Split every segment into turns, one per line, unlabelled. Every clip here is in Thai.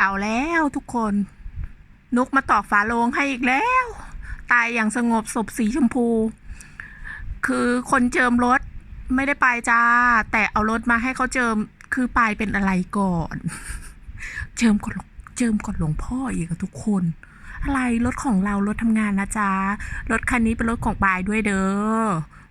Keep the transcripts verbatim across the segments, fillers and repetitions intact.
เอาแล้วทุกคนนุกมาตอกฝาโลงให้อีกแล้ว ตายอย่างสงบศพสีชมพู คือคนเจิมรถไม่ได้ไปจ้าแต่เอารถมาให้เขาเจิมคือปายเป็นอะไรก่อน เจิมก่อนเจิมก่อนหลวงพ่ออีกทุกคนอะไรรถของเรารถทำงานนะจ๊ะรถคันนี้เป็นรถของปายด้วยเด้อ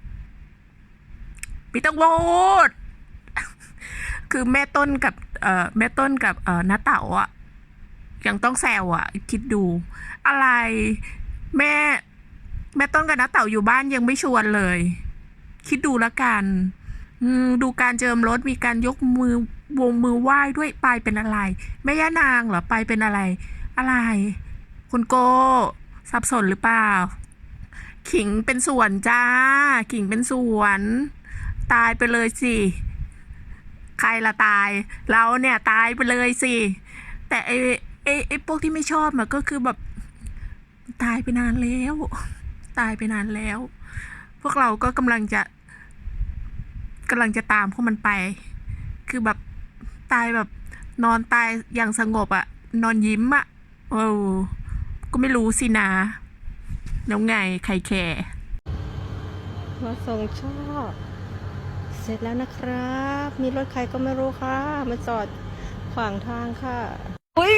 พี่ต้องโหวต คือแม่ต้นกับเอ่อแม่ต้นกับเอ่อน้าเต๋าอ่ะยังต้องแซวอ่ะคิดดูอะไรแม่แม่ต้นกับน้าเต๋าอยู่บ้านยังไม่ชวนเลยคิดดูละกันดูการเจิมรถมีการยกมือวงมือไหว้ด้วยปายเป็นอะไรแม่ย่านางเหรอปายเป็นอะไรอะไรคุณโกสับสนหรือเปล่าขิงเป็นส่วนจ้าขิงเป็นส่วนตายไปเลยสิใครละตายเราเนี่ยตายไปเลยสิแต่ไอ้ไอ้ไอ้พวกที่ไม่ชอบมันก็คือแบบตายไปนานแล้วตายไปนานแล้วพวกเราก็กำลังจะกำลังจะตามพวกมันไปคือแบบตายแบบนอนตายอย่างสงบอะนอนยิ้มอะโอ้ก็ไม่รู้สินะแล้วไงใครแคร์
มาส่งช่อเสร็จแล้วนะครับมีรถใครก็ไม่รู้ค่ะมาจอดขวางทางค่ะโอ้ย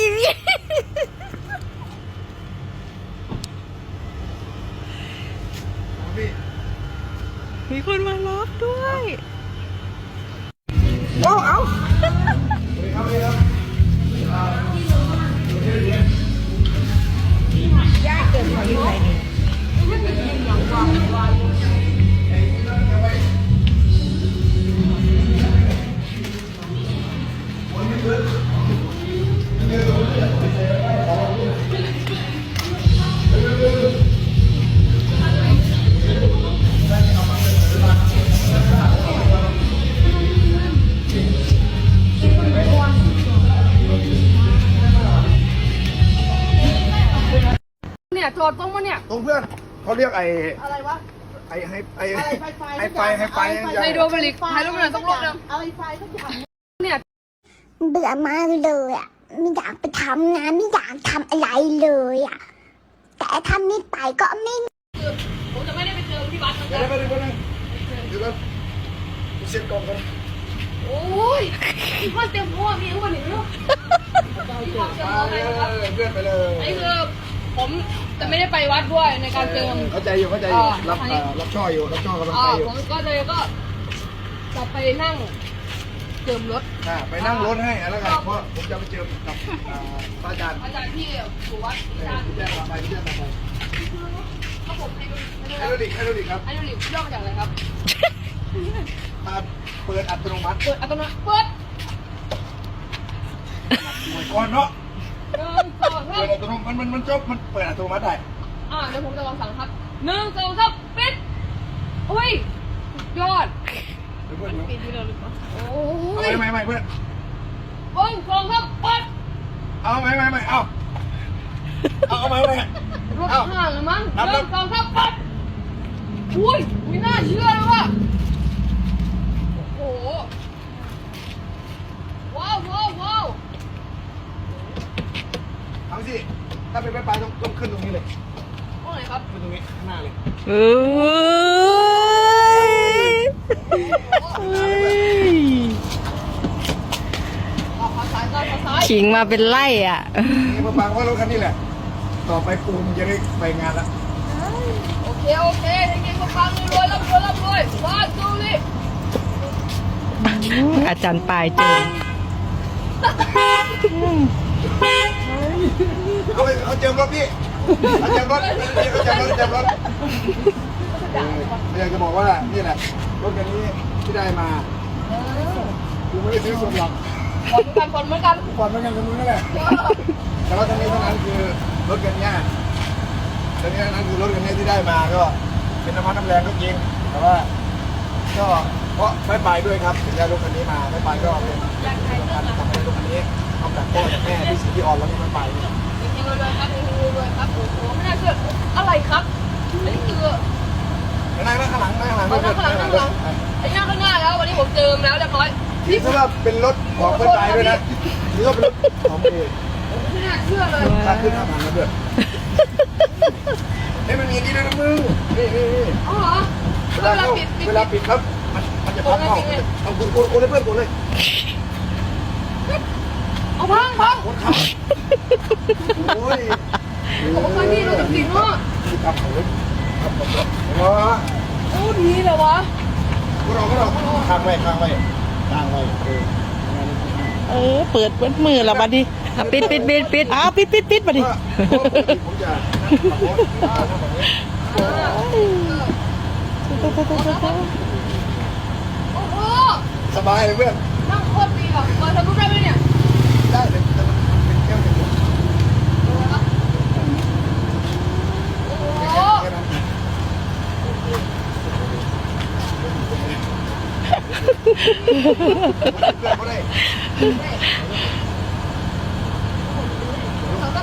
มีมีคนมาล็อกด้วยโอ้เอาย่าเกิดมาอยู่ไหนเนี่ยจอดตรงมาเนี่ย
ตรงเพื่อนเขาเรียกไอ้
อะไรวะ
ไอ้ให้ไอ้
ไ
ไอ้ไฟไฮไฟ
ไฮโดรบริกไฮโดรบริกต้องลบเลยเอาไอ้ไฟทุกอย่างเนี่ย
เบื่อมากเลยอ่ะไม่อยากไปทำงานไม่อยากทำอะไรเลยอ่ะแต่ทำไม่ไปก็ไม่
ผมจะไม่ได้ไปเจอที่บ้าน
เดี๋ยวเดี๋ยวเดี๋ยวเดี๋ยวเช็ดกล่องกัน
โอ้ยที่บ้านเต็มหัวมีทั้งหมดหนึ่งลูกที่บ้านเต็มหัวเลยครับ
เพื่อนไปเลย
ไอ้คือผมจะไม่ได้ไปวัดด้วยในการเจิม
เข้าใจอยู่เข้าใจอยู่รับรับช่ออยู่รับช่อกำลังใจอยู่
ผมก็เลยก็จะไปนั่งเจิมรถ
ไปนั่งรถให้แล้วกันเพราะผมจะไปเจิมกับพระอาจารย์
อาจารย์ที่อยู่วัด
ที่แจ้งไปที่แจ้งไป
เขาผมให้
ให้ดูดิให้ดูดิครับ
ให้ดูดิย่อมาจากอะไรครับ
เปิดอัตโนมัติ
เปิดอัตโนมัติเปิด
หวยก้อนเนาะ
หนึ่งสองสาม
เปิดอัตโนมัติมันมันจบมันเปิดอัตโนมัติได้
อ่าเดี๋ยวผมจะลองสั่งครับหนึ่งสองสามปิดอุ้ยยอด
เพื่อนปิดที่เราหรือเปล่า
โอ้ย
ไม่ไม่ไม่เพื่อน
หนึ่งสองสามปิด
เอาไม่ไม่ไม่เอาเอาเอาไม่ไม่
รถห่างหรือมั้งหนึ่งสองสามปิดอุ้ยไม่น่าเชื่อเลยว่ะโอ้โหว้าวว้าวว้าว
เอาสิถ้าเป็นไปไปต้องต้องขึ้นตรงนี้เลย
ตรงไหนครับ
ขึ้นตรงนี้ข้างหน้าเลย
เอ้ยขิงมาเป็นไล่อ่ะ
นี่มาฟังว่ารถคันนี้แหละต่อไปปูนจะได้ไปงานละ
โอเคโอเคให้กินมาฟังรวยรับรวยรับรวยว่าดูดิอาจารย์ปลายเจอ
เอาไปเอาเจิมรถพี่เอาเจิมรถเอาเจิมรถเจิมรถอยากจะบอกว่านี่แหละรถคันนี้ที่ได้มาคือไม่ได้ซื้อส่วนหลัก
ผ่อนเหมือนกัน
ผ่อนเหมือนกันผ่อนเหมือนกันตรงนู้นนั่นแหละแต่ว่าทั้งนี้ทั้งนั้นคือรถคันนี้ทั้งนี้ทั้งนั้นคือรถคันนี้ที่ได้มาก็เป็นน้ำมันน้ำแรงก็จริงแต่ว่าก็เพราะไม่ไปด้วยครับถึงได้รถคันนี้มาไม่ไปก็เป็นการทำให้รถคันนี้เอาจากพ่อจากแม่ที่สิ่งที่อ่อนแล้วที่ไม่ไป
จริงๆเลยครับจริงๆเลยครับโอ้โหไม่น่าเชื่ออะไรครับอันนี้คือ
นั่งนั่งข้างหลังนั่งข้างหลัง
นั่งข้างหลังนั่งข้างหลังไอ้นั่งข้างหน้าแล้ววันนี้ผมเจิมแล้วเรียบร้อย
นี่ถ้าว่าเป็นรถของเพื่อนตายด้วยนะนี่ก็เป็นรถของเอง
ไม่น่าเชื่อเลย
ค่าขึ้นห้าพันนะเพื่อนเฮ้ยมันมีอันนี้ด้วยนะมึงนี่นี่นี่
อ๋อเหรอ
เวลาเข้าเวลาปิดครับมันมันจะพับเข้าเอาคุณโอนให้เพื่อนโอนเลย
เอาพังพัง
โอนเข้าโอ้ย
โอ้พังนี่เราจริงๆเนาะ
ที่ทำของเล่นทำของเล่นเนาะ
โอ้ดีเลยวะ
พวกเราก็เราค้างไว้ค้างไว้ค้างไว้เออ
เออ เปิดเปิดมือละบัดนี้อ่ะปิดปิดปิดปิดอ้าวปิดปิดปิดบัดนี้
ผมจะขับรถทำแบบนี้
โอ้โห
สบายเลยเพื่อน
นั่งโคตรดีอ่ะเปิดทะลุได้ไหมเนี่ย
ได้เลยแต่มันเป็นแก้วเป็น
โอ้โห
แค่นั้นเองเพื่อนก็ได้
เขาก็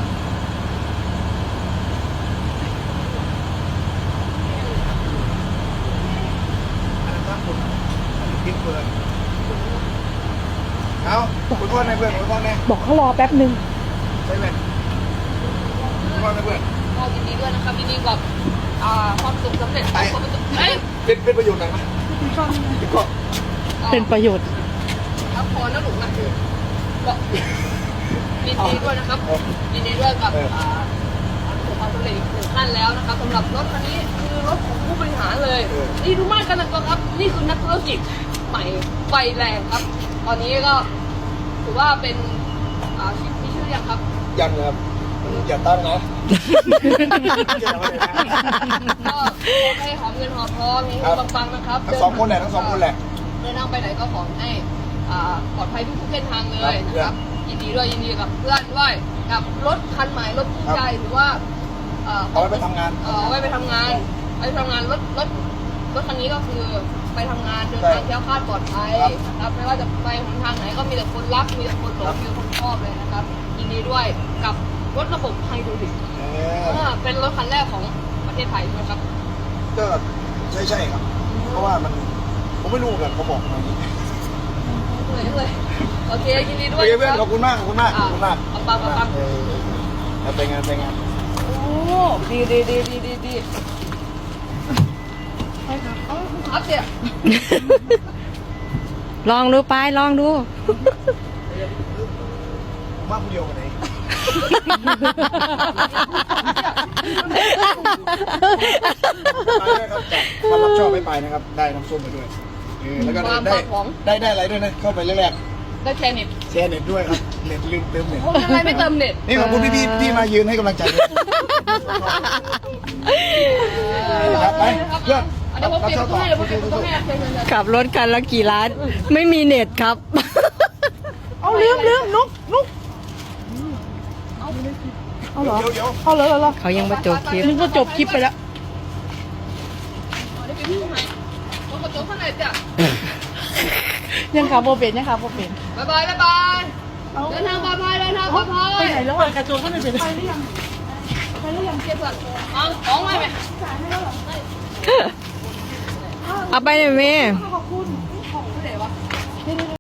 เอาคุณพ่อในเพื่อนคุณพ่อใน
บอกเขารอแป๊บนึง
ใช่ไหมคุณพ่อในเพื่อน
ก็ยินดีด้วยนะครับยินดีกับอ่าความสุขสำเร็จของความประสบเอ้ย
เป็นเป็นประโยชน์หน่อยไหมเป็นข้อ
เป็นประโยชน์
ครับพอนะหนูนะก็ยินดีด้วยนะครับยินดีด้วยกับอ่าความสำเร็จอีกหนึ่งขั้นแล้วนะครับสำหรับรถคันนี้คือรถของผู้บริหารเลยนี่ดูมากกันนะครับนี่คือนักธุรกิจใหม่ไฟแรงครับ ตอนนี้ก็ถือว่าเป็นอ่าชื่อมีชื่อยังครับ
ยังครับอย่าตั้งเนาะ
ก็ขอให้หอมเงินหอมทองมีเงินปังๆนะครับ
ทั้งสองคนแหละทั้งสองคนแหละ
เดินทางไปไหนก็ขอให้อ่าปลอดภัยทุกๆเส้นทางเลยนะครับยินดีด้วยยินดีกับเพื่อนด้วยกับรถคันใหม่รถคู่ใจหรือว่าเอ่อ
เอาไว้ไปทำงาน
เอ่อเอาไว้ไปทำงานไปทำงานรถรถรถคันนี้ก็คือไปทำงานเดินทางแคล้วคลาดปลอดภัยนะครับไม่ว่าจะไปหนทางไหนก็มีแต่คนรักมีแต่คนหลงมีแต่คนชอบเลยนะครับยินดีด้วยกับรถระบบไฮดรอลิก
เอ
เอ
อ
อเป็นรถคันแรกของประเทศไทยใช่ไหมครับ
ก็ใช่ใช่ครับ เพราะว่ามันผมไม่รู้กันเขาบอกมาอย่างนี้
เลยเลยโอเคยินดีด้
โอ
วย
เคเพื่อนขอบคุณมากขอบคุณมากขอบคุณมาก
เอาปังเอาปัง
เออไปงานไปงาน
โอ้ดีดีดีดีดีดีใช่ครับเอาครับเสีย
ลองดูไปลองดู
ผมว่าผู้เดียวกันเองไปนะครับถ้ารับชอบไม่ไปนะครับ ได้น้ำส้มไปด้วยเออแล้วก็ได้ได้ได้อะไรด้วยนะ เข้าไปแรก
ได้แชร์เน็ต
ๆแชร์เน็ตด้วยครับ เน็ตลืมเติมเน็ต
ผมยังไงไม่เติมเน็ต
นี่ขอบคุณพี่พี่ที่มายืนให้กำลังใจด้วยครับไปเพื่อน
เดี๋ยวผมปิดประตูให้เดี๋ยวผมปิดประตูให้เชิญเชิญเชิญ
ขับรถคันละกี่ล้าน ไม่มีเน็ตครับ เอาลืมลืมนุกนุกเอาเหรอ
เดี๋ยวเดี๋ยว
เอาเหรอเหรอเขายังมาจบคลิปนึกว่าจบคลิปไปแล้ว
เดี๋ยวปิดประตูให้ผมกดโต๊ะข้างในจ้ะ
ยังขับโบเป็นยังขับโบเป็น
บ๊ายบายบ๊ายบายเดินทางปลอดภัยเดินทางปลอดภัย
ไปไหนแล้วอ่ะกระโจนข้างในเป็นไปหรือยัง
ไปหรือยังเก็บก่อนเอาของไว้ไหม
เอาไปเลยแม่
ขอบคุณ